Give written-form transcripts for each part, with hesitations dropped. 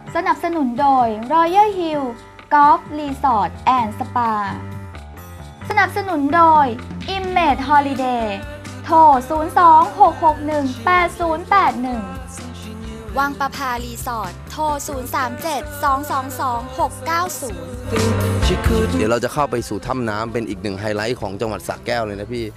สนับสนุนโดย Royal Hill Golf Resort and Spa สนับสนุนโดย Image Holiday โทร 02-661-8081 วังประภารีสอร์ทโทร 037-222-690 เดี๋ยวเราจะเข้าไปสู่ถ้ำน้ำเป็นอีกหนึ่งไฮไลท์ของจังหวัดสระแก้วเลยนะพี่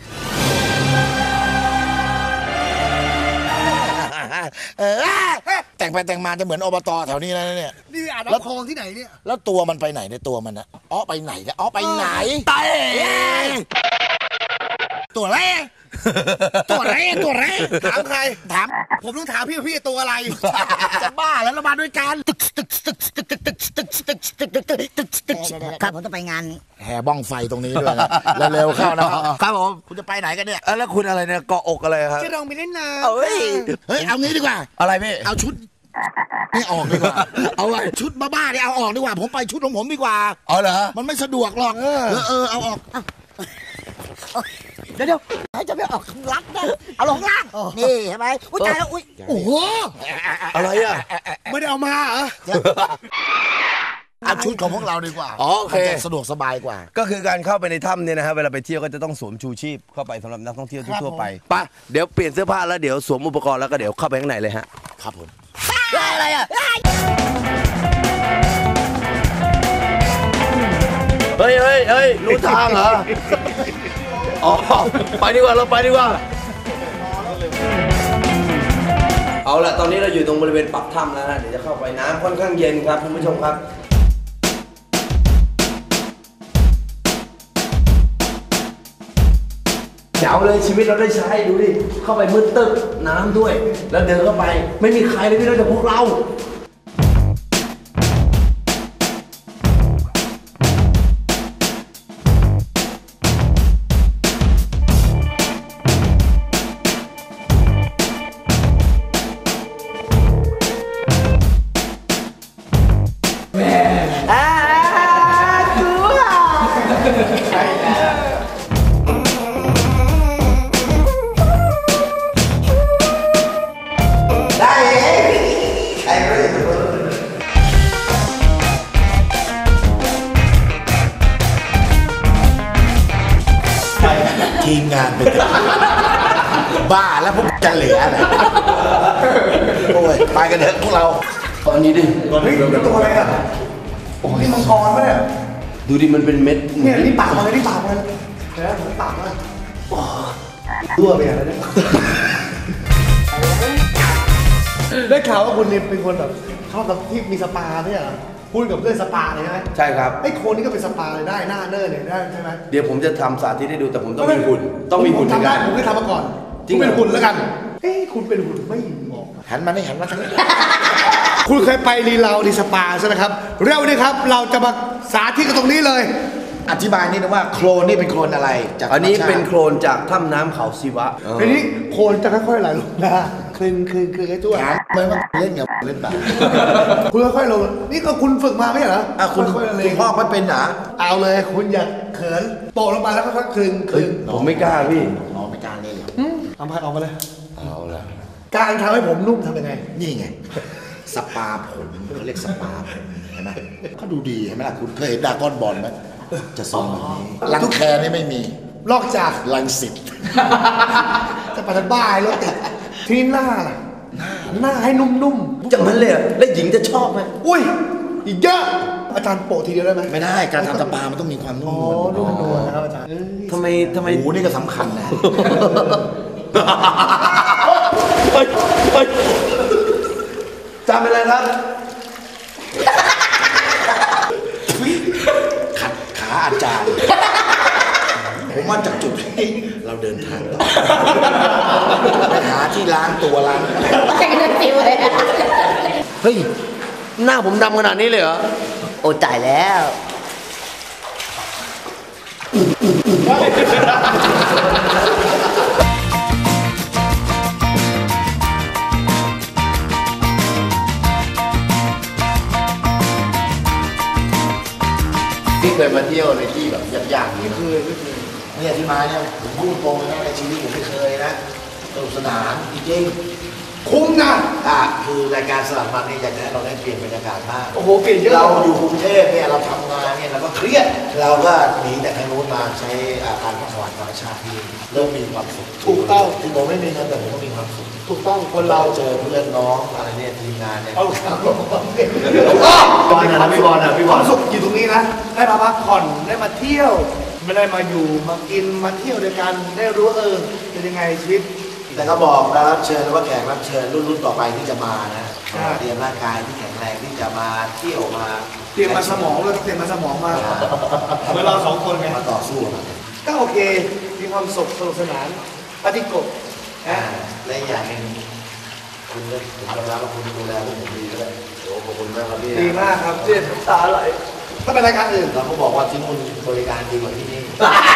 แต่งไปแต่งมาจะเหมือนอบตแถวนี้แล้วเนี่ยนี่อ่านแล้วคลองที่ไหนเนี่ยแล้วตัวมันไปไหนในตัวมันนะอ้อไปไหนนะอ้อไปไหนตายตัวอะไรตัวอะไรตัวอะไรถามใครถามผมต้องถามพี่ตัวอะไรจะบ้าแล้วเรามาด้วยกันครับผมต้องไปงานแห่บ้องไฟตรงนี้ด้วยนะเร็วๆเข้านะครับผมคุณจะไปไหนกันเนี่ยแล้วคุณอะไรเนี่ยเกาะอกอะไรครับจะลองไปเล่นน้ำเฮ้ยเอางี้ดีกว่าอะไรพี่เอาชุดนี่ออกดีกว่าเอาไว้ชุดบ้าๆเนี่ยเอาออกดีกว่าผมไปชุดของผมดีกว่าอ๋อเหรอมันไม่สะดวกหรอกเอาออกเดี๋ยวให้จะไม่ออกรักนะเอาลงล่างนี่เห็นไหมอุ้ยตายแล้วอุ้ยโอ้โหอะไรอ่ะไม่ได้เอามาเหรอเอาชุดของพวกเราดีกว่าโอเคสะดวกสบายกว่าก็คือการเข้าไปในถ้ำเนี่ยนะครับเวลาไปเที่ยวก็จะต้องสวมชูชีพเข้าไปสำหรับนักท่องเที่ยวทั่วไปป่ะเดี๋ยวเปลี่ยนเสื้อผ้าแล้วเดี๋ยวสวมอุปกรณ์แล้วก็เดี๋ยวเข้าไปข้างในเลยฮะครับผมอะไรอ่ะเฮ้ยรู้ทางเหรออ๋อไปดีกว่าเราไปดีกว่าเอาละตอนนี้เราอยู่ตรงบริเวณปากถ้ำแล้วนะเดี๋ยวจะเข้าไปน้ำค่อนข้างเย็นครับคุณผู้ชมครับเจ๋วเลยชีวิตเราได้ใช้ดูดิเข้าไปมืดตึ๊บน้ำด้วยแล้วเดินเข้าไปไม่มีใครเลยพี่นอกจากพวกเราทีมงานเป็นบ้าแล้วพวกจะเหลืออะไรโอ้ยไปกันเถอะพวกเราตอนนี้ดิตัวอะไรอ่ะโอ้ยมังกรปะเนี่ยดูดิมันเป็นเม็ดเนี่ยนี่ปากมันเลยนี่ปากมันเลยเห็นไหมผมปากมันตัวไปอะไรเนี่ยได้ข่าวว่าคุณนี่เป็นคนแบบชอบแบบที่มีสปาเนี่ยเหรอพูดกับเรื่องสปาเลยใช่ไหมใช่ครับไอ้โคนนี่ก็เป็นสปาเลยได้หน้าเนอร์เนี่ยได้ใช่ไหมเดี๋ยวผมจะทำสาธิตให้ดูแต่ผมต้องมีหุ่นต้องมีหุ่นทำได้ผมเคยทำมาก่อนคุณเป็นหุ่นแล้วกันเฮ้ยคุณเป็นหุ่นไม่เหมาะหันมาทางนี้คุณเคยไปรีลาวดีสปาใช่ไหมครับเร็วนี่ครับเราจะมาสาธิตกันตรงนี้เลยอธิบายนิดนึงว่าโคลนนี่เป็นโคลนอะไรจากอันนี้เป็นโคลนจากถ้ำน้ำเขาศิวะทีนี้โคลนจะค่อยๆไหลลงนะคลึงไอ้ตัวเหมือนว่าเล่นกับเล่นแบบคุณค่อยๆลงนี่ก็คุณฝึกมาไม่ใช่เหรอคุณพ่อไม่เป็นหรอเอาเลยคุณอย่าเขินโปะลงมาแล้วค่อยๆคลึงผมไม่กล้าพี่ไม่กล้าเลยเอาพัดออกมาเลยเอาละการทำให้ผมนุ่มทำยังไงนี่ไงสปาผมเขาเรียกสปาผมเห็นไหมเขาดูดีเห็นไหมล่ะคุณเคยเห็นดราก้อนบอลไหมจะทรงแบบนี้รังแคนี่ไม่มีนอกจากรังสิตจะปัดบ้าแล้วติดที่หน้าให้นุ่มๆจังนั้นเลยแล้วหญิงจะชอบไหมอุ้ยอีกเยอะอาจารย์โปะทีเดียวได้ไหมไม่ได้การทำสปามันต้องมีความนุ่มนุ่มนวลนะครับอาจารย์ทำไมหูนี่ก็สำคัญนะจำเป็นอะไรครับขัดขาอาจารย์ผมว่าจากจุดนี้เราเดินทางต่อไปหาที่ล้างตัวล้างเฮ้ยหน้าผมดำขนาดนี้เลยเหรอโอ้จ่ายแล้วที่เคยมาเที่ยวในที่แบบยากๆนี่คือเนี่ยที่มาเนี่ยผมพูดตรงนะในชีวิตผมไม่เคยนะสนุกสนานจริงคุ้มนะคือรายการสลับมันนี่อยากจะให้เราได้เปลี่ยนบรรยากาศมากโอ้โหเปลี่ยนเยอะเราอยู่กรุงเทพเนี่ยเราทำงานเนี่ยเราก็เครียดเราก็หนีแต่ทางนู้นมาใช้การพักผ่อนธรรมชาติที่เริ่มมีความสุขถูกต้องที่ผมไม่มีเงินแต่ผมก็มีความสุขถูกต้องคนเราเราเจอเพื่อนน้องอะไรเนี่ยทีมงานเนี่ยเอาครับบอลนะพี่บอลนะพี่บอลสุขอยู่ตรงนี้นะได้มาพักผ่อนได้มาเที่ยว ไม่ได้มาอยู่มากินมาเที่ยวด้วยกันได้รู้ว่าเป็นยังไงชีวิตแต่ก็บอกรับเชิญว่าแขกรับเชิญรุ่นต่อไปที่จะมานะใช่เตรียมร่างกายที่แข็งแรงที่จะมาเที่ยวมาเตรียมมาสมองเลยเตรียมมาสมองมาเหมือนเราสองคนไงมาต่อสู้นะก็โอเคมีความสุขสนุกสนานปฏิกบนะและอีกอย่างหนึ่งคุณเลิกผมยอมรับว่าคุณดูแลพวกผมดีด้วยโอ้ขอบคุณมากครับพี่ดีมากครับเจ็บตาไหลถ้าเป็นรายการอื่นเราก็บอกว่าที่นู่นบริการดีกว่าที่นี่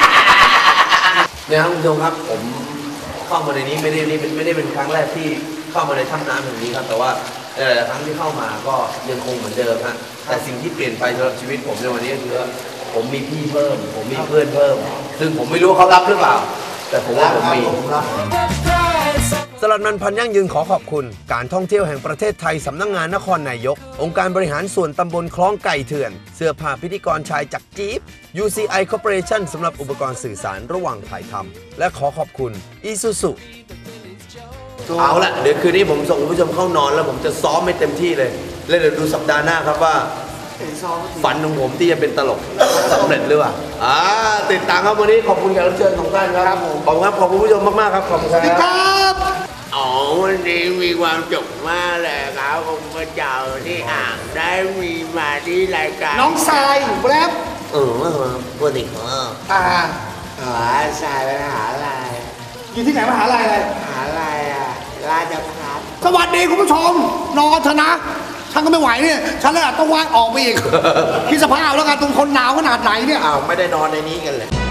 เนี่ยครับคุณผู้ชมครับผมเข้ามาในนี้ไม่ได้เป็นครั้งแรกที่เข้ามาในถ้ำน้ำแห่งนี้ครับแต่ว่าหลายๆครั้งที่เข้ามาก็ยังคงเหมือนเดิมฮะแต่สิ่งที่เปลี่ยนไปสำหรับชีวิตผมในวันนี้ก็คือว่าผมมีพี่เพิ่ม ผมมีเพื่อนเพิ่ม ซึ่งผมไม่รู้เขารับหรือเปล่า แต่ผมว่าผมมี สลัดมันพันยั่งยืนขอขอบคุณการท่องเที่ยวแห่งประเทศไทยสำนักงานนครนายกองค์การบริหารส่วนตำบลคลองไก่เถื่อนเสื้อผ้าพิธีกรชายจากจี๊ป UCI Corporation สำหรับอุปกรณ์สื่อสารระหว่างถ่ายทำและขอขอบคุณ Isuzu เอาละเดี๋ยวคืนนี้ผมส่งคุณผู้ชมเข้านอนแล้วผมจะซ้อมให้เต็มที่เลยแล้วเดี๋ยวดูสัปดาห์หน้าครับว่าฝันของผมที่จะเป็นตลกสำเร็จหรือเปล่าติดตามครับวันนี้ขอบคุณแขกรับเชิญของท่านครับขอบคุณครับขอบคุณผู้ชมมากๆครับขอบคุณครับครับอ๋อวันนี้มีความสุขมากเลยครับผมมาเจอที่อ่างได้มีมาที่รายการน้องทรายแป๊บปกติของอ่าอ๋อสายไปหาอะไรอยู่ที่ไหนมหาลัยอะไรหาอะไรอ่ะราชพัฒสวัสดีคุณผู้ชมนอนเถอะนะฉันก็ไม่ไหวเนี่ยฉันเลยต้องว่ายออกไปอีก คิดสภาพแล้วกันตรงคนหนาวขนาดไหนเนี่ยอ้าวไม่ได้นอนในนี้กันเลย